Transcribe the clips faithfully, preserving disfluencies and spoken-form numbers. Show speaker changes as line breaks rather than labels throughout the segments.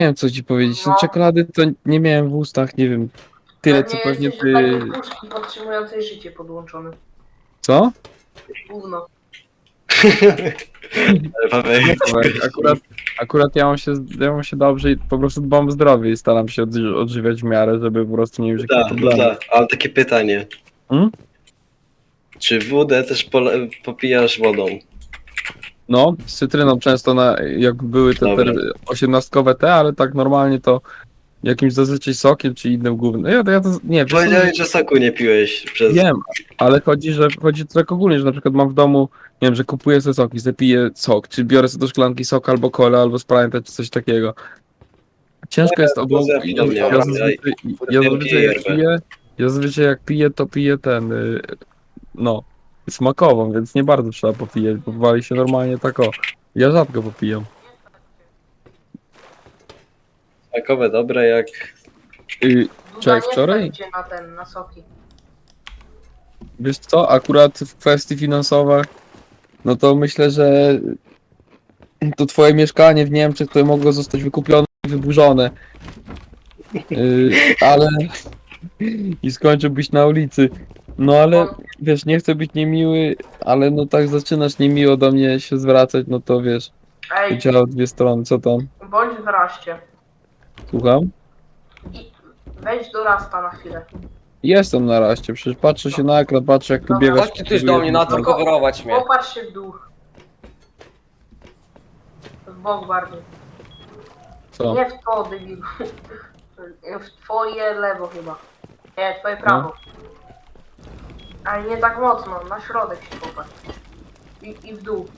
Nie wiem co ci powiedzieć, no
No.
czekolady to nie miałem w ustach, nie wiem, tyle co
nie
pewnie
jesteś do takiej
ty...
puszki podtrzymującej życie podłączony.
Co?
Gówno.
Ale Paweł,
Nie, Tomek, akurat, akurat ja mam się, ja mam się dobrze i po prostu dbam o zdrowie i staram się odży- odżywiać w miarę, żeby po prostu nie mieć jakichś
da, no
problemów.
da. Ale takie pytanie.
Hmm?
Czy wódę też pole- popijasz wodą?
No, z cytryną często na, jak były te, te
Dobra.
osiemnastkowe te, ale tak normalnie to jakimś zazwyczaj sokiem czy innym głównym. Ja, ja to, nie, wiesz co,
Powiedziałeś, że soku nie piłeś przez...
wiem, ale chodzi, że chodzi to tak ogólnie, że na przykład mam w domu, nie wiem, że kupuję sobie soki, zapiję sok, czy biorę sobie do szklanki sok albo cola, albo Sprite, czy coś takiego. Ciężko jest obok.
ja
Ja,
podobnie
ja,
mam,
zazwyczaj,
ja-
ja
ja
zazwyczaj
piję
jak
yerbę.
piję, ja zazwyczaj jak piję, to piję ten, y, no, smakową, więc nie bardzo trzeba popijać, bo wali się normalnie tak o. Ja rzadko popijam.
Smakowe, dobre jak...
Y,
Duda
Czekaj,
nie
wczoraj?
stać cię na ten, na soki.
Wiesz co, akurat w kwestii finansowej, no to myślę, że to twoje mieszkanie w Niemczech to mogło zostać wykupione i wyburzone. Yy, ale i skończyłbyś na ulicy. No ale wiesz, nie chcę być niemiły, ale no tak zaczynasz niemiło do mnie się zwracać, no to wiesz, to
Ej,
działa w dwie strony, co tam?
bądź w raście.
Słucham?
I wejdź do rasta na chwilę.
Jestem na raście, przecież patrzę się na ekran, patrzę jak tu
Dobra.
biegasz.
Chodźcie ktoś do mnie na to coverować mnie.
Popatrz się w dół. W bok bardziej.
Co?
Nie w to, debilu. W twoje lewo chyba. Nie, twoje prawo. Ale nie tak mocno, na środek się popatrz. I, i w dół.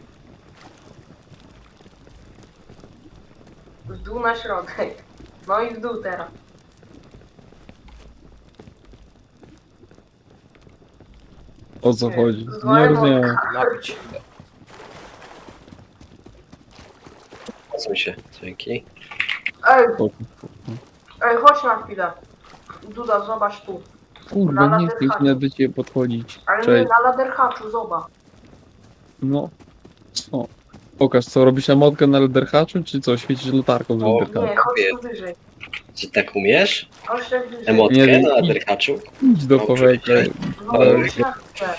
W dół na środek. No i w dół teraz.
O co chodzi? Nie
Złe
rozumiem.
Napić.
Pasuj się, dzięki.
Ej,
O,
ej, chodź na chwilę. Duda, zobacz tu.
kurwa,
Na
nie chcę już
laderhaczu.
nawet do ciebie podchodzić.
Ale nie,
Cześć.
na laderhaczu, zobacz.
No. Co? Pokaż, co robisz emotkę na lederhaczu, czy co? Świecisz latarką z
O,
lederhaczu?
Nie, chodź tu wyżej.
Czy tak umiesz?
Chodź tak wyżej.
Emotkę
Nie wiem.
na derkaczu?
Idź do
No,
Pawełka.
przecież-
No,
ale-
chodź na chwilę.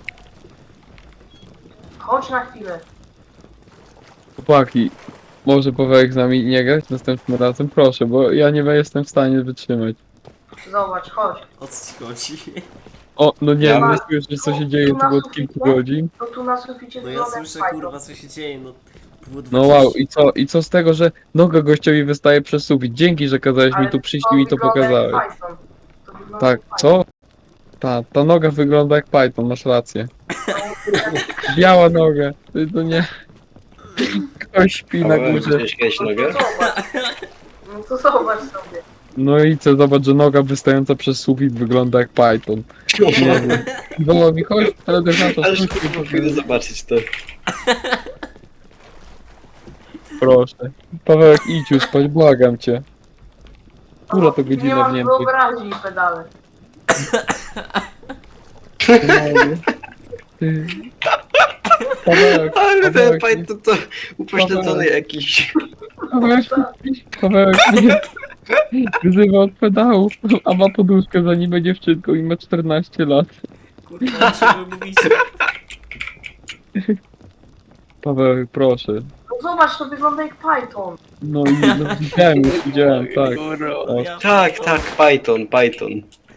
Chodź na chwilę.
Chłopaki, może Pawełek z nami nie grać następnym razem? Proszę, bo ja nie jestem w stanie wytrzymać.
Zobacz, chodź.
O co ci chodzi?
O, no nie,
Ja
nie
mam-
słyszysz co się dzieje tu od kilku godzin?
No tu na suficie
No ja
wygląda
słyszę
jak
kurwa
fajko.
co się dzieje, no. Było
No wow,
dwadzieścia.
i co, i co z tego, że noga gościowi wystaje przez sufit? Dzięki, że kazałeś mi
Ale
tu przyjść
to
i mi to
wygląda jak
pokazałeś.
Python. To wygląda
Tak,
jak
co? Ta, ta noga wygląda jak Python, masz rację. Biała noga, ty to nie... Ktoś śpi na
Paweł,
górze.
widziałeś kiedyś
No
nogę?
to zobacz. No to zobacz sobie.
No i co, zobacz, że noga wystająca przez sufit wygląda jak Python. Nie wiem. Woła mi, chodź, ale do to
Aż kurwa pójdę zobaczyć to.
proszę. Pawełek, idź już spać, błagam cię. Która to
Nie
godzina w
masz
Niemczech?
wyobraźni pedale.
Ty. Pawełek,
Ale ten
Pawełek,
fajt to, to upośledzony jakiś.
Pawełek, Pawełek, nie. Wyzywa od pedałów, a ma poduszkę za nim dziewczynką i ma czternaście lat.
Kurwa, o czym wy mówicie?
Pawełek, proszę.
No zobacz, to wygląda jak Python.
No i no, widziałem, już widziałem, tak.
Kurwa,
O,
ja
Tak,
pierdolę.
tak, Python, Python.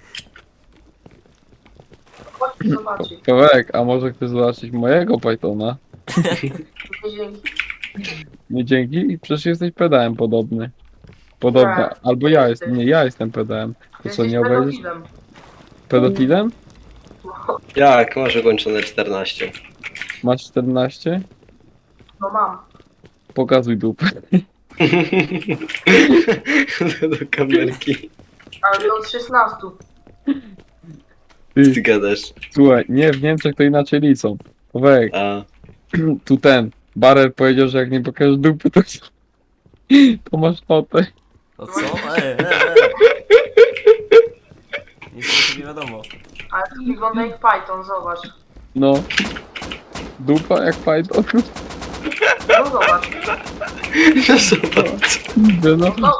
Chodź zobaczyć.
Pawełek, a może chcesz zobaczyć mojego Pythona?
Nie dzięki.
Nie dzięki? Przecież jesteś pedałem podobny. Podobna.
Nie,
Albo ja jestem. Nie, ja jestem pedałem. To co,
Jesteś
nie obejrzysz?
pedofilem.
Pedofilem?
Jak, masz ukończone czternaście.
Masz czternaście?
No mam.
Pokazuj dupę.
Do kamerki.
Ale od szesnastu.
Ty,
Ty gadasz.
słuchaj, nie, w Niemczech to inaczej liczą. Pawełek,
A,
tu ten. Barer powiedział, że jak nie pokażesz dupy, to, to masz notę.
To co? E, e, e. Nic o tym nie wiadomo.
Ale to wygląda jak Python, zobacz.
No. Dupa jak Python.
No zobacz.
No zobacz.
No,
No